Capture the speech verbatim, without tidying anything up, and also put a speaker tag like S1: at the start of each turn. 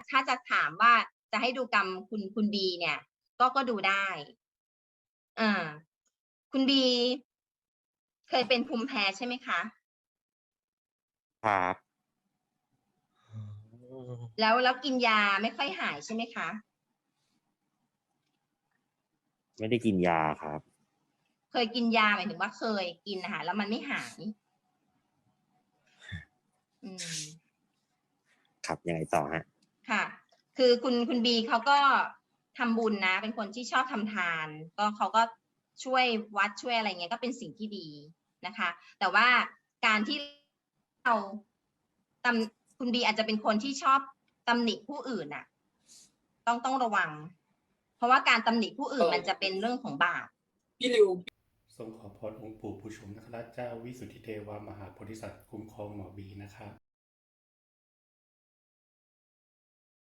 S1: ถ้าจะถามว่าจะให้ดูกรรมคุณคุณบีเนี่ย ก็ก็ดูได้อ่าคุณบีเคยเป็นภูมิแพ้ใช่ไหมคะ
S2: ครับ
S1: แล้วแล้วกินยาไม่ค่อยหายใช่ไหมคะ
S2: ไม่ได้กินยาครับ
S1: เคยกินยาหมายถึงว่าเคยกินนะคะแล้วมันไม่หายอืม
S2: ครับยังไงต่อฮะ
S1: ค่ะ คือคุณคุณบีเขาก็ทำบุญนะ เป็นคนที่ชอบทำทาน ก็เขาก็ช่วยวัดช่วยอะไรเงี้ยก็เป็นสิ่งที่ดีนะคะ แต่ว่าการที่เราตำคุณบีอาจจะเป็นคนที่ชอบตำหนิผู้อื่นน่ะ ต้องต้องระวัง เพราะว่าการตำหนิผู้อื่นมันจะเป็นเรื่องของบาป
S3: พี่ริวทรงขอพรองค์ปู่ผู้ชมนคราชเจ้าวิสุทธิเทวามหาโพธิสัตว์คุ้มครองหมอบีนะครับ